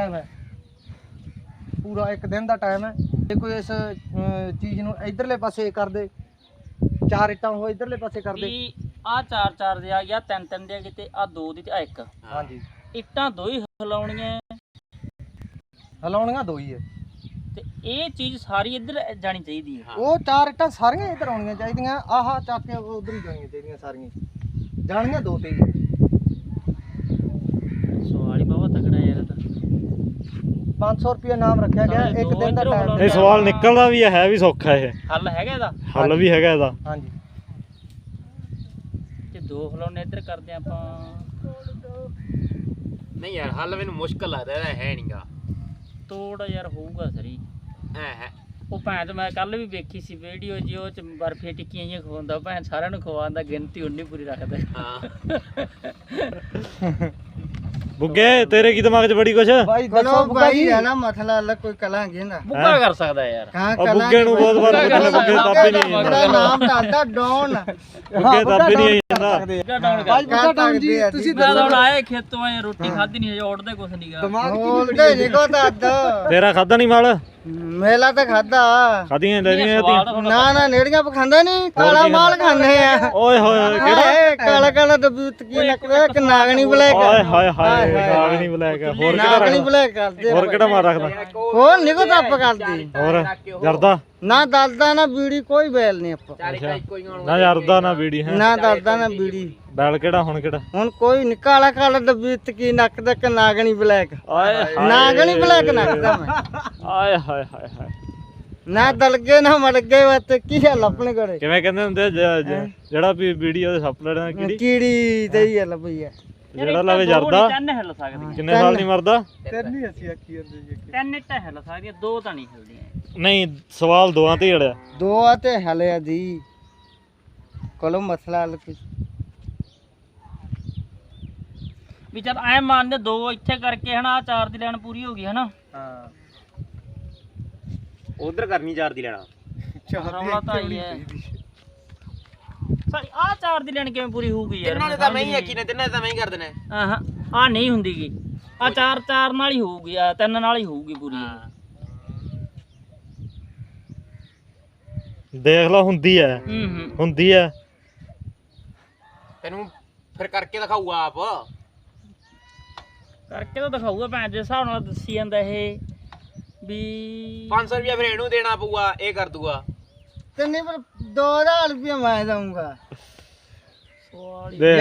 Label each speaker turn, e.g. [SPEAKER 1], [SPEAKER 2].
[SPEAKER 1] Time ਹੈ, ਪੂਰਾ ਇੱਕ ਦਿਨ ਦਾ ਟਾਈਮ ਹੈ। ਜੇ ਕੋਈ ਇਸ ਚੀਜ਼ ਨੂੰ ਇਧਰਲੇ ਪਾਸੇ ਕਰ ਦੇ, 4 ਇੱਟਾਂ ਉਹ ਇਧਰਲੇ ਪਾਸੇ ਕਰ ਦੇ,
[SPEAKER 2] ਆ 4 ਦੇ ਆ ਜਾਂ 3 ਦੇ ਕਿਤੇ ਆ 2 ਦੀ ਤੇ ਆ 1।
[SPEAKER 1] ਹਾਂਜੀ
[SPEAKER 2] ਇੱਟਾਂ 2 ਹੀ ਹਿਲਾਉਣੀਆਂ,
[SPEAKER 1] ਹਿਲਾਉਣੀਆਂ 2 ਹੀ ਹੈ
[SPEAKER 2] ਤੇ ਇਹ ਚੀਜ਼ ਸਾਰੀ ਇੱਧਰ ਜਾਣੀ ਚਾਹੀਦੀ ਹੈ।
[SPEAKER 1] ਉਹ 4 ਇੱਟਾਂ ਸਾਰੀਆਂ ਇੱਧਰ ਆਉਣੀਆਂ ਚਾਹੀਦੀਆਂ, ਆਹ ਚੱਕ ਕੇ ਉਧਰ ਹੀ ਜਾਣੀਆਂ ਚਾਹੀਦੀਆਂ, ਸਾਰੀਆਂ ਜਾਣੀਆਂ 2 ਤੇ ਹੀ।
[SPEAKER 2] ਸਵਾਲ ਹੀ ਬਾਬਾ ਤਕੜਾ ਯਾਰ ਤਾਂ
[SPEAKER 1] 500 ਰੁਪਏ ਨਾਮ ਰੱਖਿਆ ਗਿਆ, ਇੱਕ ਦਿਨ ਦਾ ਟਾਈਮ।
[SPEAKER 3] ਇਹ ਸਵਾਲ ਨਿਕਲਦਾ ਵੀ ਹੈ ਵੀ ਸੌਖਾ, ਇਹ
[SPEAKER 2] ਹੱਲ ਹੈਗਾ ਇਹਦਾ,
[SPEAKER 3] ਹੱਲ ਵੀ ਹੈਗਾ ਇਹਦਾ।
[SPEAKER 1] ਹਾਂਜੀ
[SPEAKER 2] ਤੇ 2 ਹਿਲਾਉਣੇ ਇੱਧਰ ਕਰਦੇ ਆਪਾਂ।
[SPEAKER 4] ਨਹੀਂ ਯਾਰ ਹੱਲ ਮੈਨੂੰ ਮੁਸ਼ਕਲ ਲੱਗਦਾ, ਇਹਦਾ ਹੈ ਨਹੀਂਗਾ।
[SPEAKER 2] ਤੋੜ ਯਾਰ ਹੋਊਗਾ ਸਰੀ
[SPEAKER 4] ਹੈ
[SPEAKER 2] ਉਹ ਭੈਣ ਮੈਂ ਕੱਲ ਵੀ ਵੇਖੀ ਸੀ ਵੀਡੀਓ ਜੀ, ਉਹ ਚ ਬਰਫੀ ਟਿੱਕੀਆਂ ਜਿਹੀਆਂ ਖਵਾਉਂਦਾ ਭੈਣ, ਸਾਰਿਆਂ ਨੂੰ ਖਵਾਉਂਦਾ, ਗਿਣਤੀ ਉਨੀ ਪੂਰੀ ਰੱਖਦਾ।
[SPEAKER 4] ਹਾਂ
[SPEAKER 3] ਬੁੱਗੇ ਤੇਰੇ ਕੀ ਦਿਮਾਗ 'ਚ ਬੜੀ ਕੁਛ?
[SPEAKER 1] ਭਾਈ ਦੱਸੋ ਭਾਈ ਰਹਿਣਾ ਮਸਲਾ ਅਲੱਗ ਕੋਈ ਕਲਾਂਗੇ ਨਾ
[SPEAKER 2] ਬੁੱਗਾ ਕਰ ਸਕਦਾ ਯਾਰ।
[SPEAKER 1] ਕਹਾਂ
[SPEAKER 3] ਬੁੱਗੇ ਨੂੰ ਬਹੁਤ ਵਾਰ ਪੁੱਛਣਾ, ਬੁੱਗੇ ਦੱਬ ਹੀ ਨਹੀਂ ਜਾਂਦਾ।
[SPEAKER 1] ਨਾਮ ਦੱਸਦਾ ਡੌਨ,
[SPEAKER 3] ਬੁੱਗੇ ਦੱਬ ਹੀ ਨਹੀਂ ਜਾਂਦਾ।
[SPEAKER 2] ਬੁੱਗਾ ਡਾਊਨ
[SPEAKER 1] ਭਾਈ
[SPEAKER 2] ਕਰ
[SPEAKER 1] ਬੁੱਗਾ ਡੌਨ ਜੀ ਤੁਸੀਂ
[SPEAKER 2] ਮੈਂ ਹੁਣ ਆਏ ਖੇਤੋਂ ਆਏ, ਰੋਟੀ ਖਾਧੀ ਨਹੀਂ, ਉੱਡਦੇ ਕੁਛ ਨਹੀਂਗਾ।
[SPEAKER 1] ਦਿਮਾਗ ਬੋਲਦੇ ਨਹੀਂ ਕੋ ਦੱਦ
[SPEAKER 3] ਤੇਰਾ ਖਾਦਾ ਨਹੀਂ ਮਾਲ?
[SPEAKER 1] ਮੇਲਾ ਤਾਂ ਖਾਦਾ
[SPEAKER 3] ਖਾਦੀਆਂ ਲੈਣੀਆਂ ਤੀ।
[SPEAKER 1] ਨਾ ਨੇੜੀਆਂ ਪਖਾਂਦਾ ਨਹੀਂ, ਕਾਲਾ ਮਾਲ ਖਾਂਦੇ ਆ।
[SPEAKER 3] ਓਏ ਹੋਏ ਕਿਹੜਾ?
[SPEAKER 1] ਕਾਲਾ ਕਾਲਾ ਦਬੂਤ ਕੀ ਲੱਗਦਾ, ਇੱਕ ਨਾਗਣੀ ਬਲੈਕ।
[SPEAKER 3] ਓਏ ਹਾਏ ਹਾਏ ਨਾਗਣੀ ਬਲੈਕ। ਹੋਰ ਕਿਹੜਾ
[SPEAKER 1] ਨਾਗਣੀ
[SPEAKER 3] ਰੱਖਦਾ?
[SPEAKER 1] ਬਲੈਕ ਕਰਦੇ
[SPEAKER 3] ਹੋਰ ਕਿਹੜਾ ਮਾਰ ਰੱਖਦਾ?
[SPEAKER 1] ਹੋਰ ਨਿਕੋ ਦੱਪ ਕਰਦੀ।
[SPEAKER 3] ਹੋਰ ਜਰਦਾ
[SPEAKER 1] ਨਾ ਦਲਦਾ ਨਾ ਬੀੜੀ, ਕੋਈ ਬੈਲ ਨਹੀਂ ਆਪਾਂ,
[SPEAKER 3] ਨਾ ਜਰਦਾ ਨਾ ਬੀੜੀ ਹੈ,
[SPEAKER 1] ਨਾ ਦਲਦਾ ਨਾ ਬੀੜੀ।
[SPEAKER 3] ਬੈਲ ਕਿਹੜਾ ਹੁਣ ਕਿਹੜਾ?
[SPEAKER 1] ਹੁਣ ਕੋਈ ਨੀ, ਕਾਲਾ ਕਾਲਾ ਦਬੂਤ ਕੀ ਨੱਕ ਦਾ, ਕਿ ਨਾਗਣੀ ਬਲੈਕ।
[SPEAKER 3] ਆਏ
[SPEAKER 1] ਨਾਗਣੀ ਬਲੈਕ ਨੱਕਦਾ ਮੈਂ,
[SPEAKER 3] ਆਏ ਹਾਏ ਹਾਏ ਹਾਏ।
[SPEAKER 1] ਨਾ ਦਲਗੇ ਨਾ ਮੜ ਗਏ ਵਤ ਕੀ ਗੱਲ ਆਪਣੇ ਕੋਲੇ।
[SPEAKER 3] ਕਿਵੇਂ ਕਹਿੰਦੇ ਹੁੰਦੇ ਆ, ਜਿਹੜਾ ਵੀ ਬੀੜੀ ਉਹਦੇ ਸੱਪ ਲੜਨਾ ਕੀੜੀ,
[SPEAKER 1] ਕੀੜੀ ਤੇ ਹੀ ਗੱਲ ਪਈ ਆ।
[SPEAKER 3] ਜਿਹੜਾ ਲਾਵੇ ਜਰਦਾ
[SPEAKER 2] 3 ਹਿੱਲ ਸਕਦੀਆਂ,
[SPEAKER 3] ਕਿੰਨੇ ਸਾਲ ਨਹੀਂ ਮਰਦਾ?
[SPEAKER 1] ਤੇਰਨੀ ਅਸੀਂ ਆਖੀ ਜਾਂਦੇ ਜੀ।
[SPEAKER 2] 3 ਇੱਟਾਂ ਹਿੱਲ ਸਕਦੀਆਂ, 2 ਤਾਂ ਨਹੀਂ ਹਿੱਲਦੀਆਂ।
[SPEAKER 3] ਨਹੀਂ ਸਵਾਲ ਦੋਵਾਂ ਤੇ ਹੀ ਅੜਿਆ।
[SPEAKER 1] ਦੋ ਆ ਤੇ ਹਲਿਆ ਦੀ ਕੋਲੋਂ ਮਸਲਾ ਹੱਲ ਕੁਛ
[SPEAKER 2] ਵੀ ਚੱਲ ਐ ਮੰਨਦੇ 2 ਇੱਥੇ ਕਰਕੇ ਹਨਾ, 4 ਦੀ ਲਾਈਨ ਪੂਰੀ ਹੋ ਗਈ ਹਨਾ।
[SPEAKER 1] ਹਾਂ
[SPEAKER 4] ਉਧਰ ਕਰਨੀ 4 ਦੀ ਲੈਣਾ।
[SPEAKER 2] ਰੌਲਾ ਤਾਂ ਆਈ ਹੈ ਸਾਰੀ। ਆ 4 ਦੀ ਲਾਈਨ ਕਿਵੇਂ ਪੂਰੀ ਹੋਊਗੀ ਯਾਰ?
[SPEAKER 4] ਤਿੰਨਾਂ ਨੇ ਤਾਂ ਮੈਂ ਹੀ ਆਖੀ ਨੇ, ਤਿੰਨਾਂ ਤਾਂ ਮੈਂ ਹੀ ਕਰ ਦੇਣਾ।
[SPEAKER 2] ਆਹਾਂ ਆ ਨਹੀਂ ਹੁੰਦੀਗੀ, ਆ 4 ਨਾਲ ਹੀ ਹੋਊਗੀ, ਆ 3 ਨਾਲ ਹੀ ਹੋਊਗੀ ਪੂਰੀ।
[SPEAKER 3] ਦੇਖ ਲਾ ਹੁੰਦੀ ਐ, ਹੁੰਦੀ ਐ।
[SPEAKER 4] ਤੈਨੂੰ ਫਿਰ ਕਰਕੇ ਦਿਖਾਊਗਾ ਆਪ।
[SPEAKER 2] ਕਰਕੇ ਤਾਂ ਦਿਖਾਊਗਾ ਭੈਣ, ਜਿਸ ਹਿਸਾਬ ਨਾਲ ਦੱਸੀ ਜਾਂਦਾ ਇਹ ਵੀ
[SPEAKER 4] 500 ਰੁਪਇਆ ਫਿਰ ਇਹਨੂੰ ਦੇਣਾ ਪਊਗਾ, ਇਹ ਕਰ ਦੂਗਾ।
[SPEAKER 1] ਤੇ ਨਹੀਂ ਪਰ 2000 ਰੁਪਏ ਮੈਂ ਦਊਂਗਾ।
[SPEAKER 3] ਦੇਖ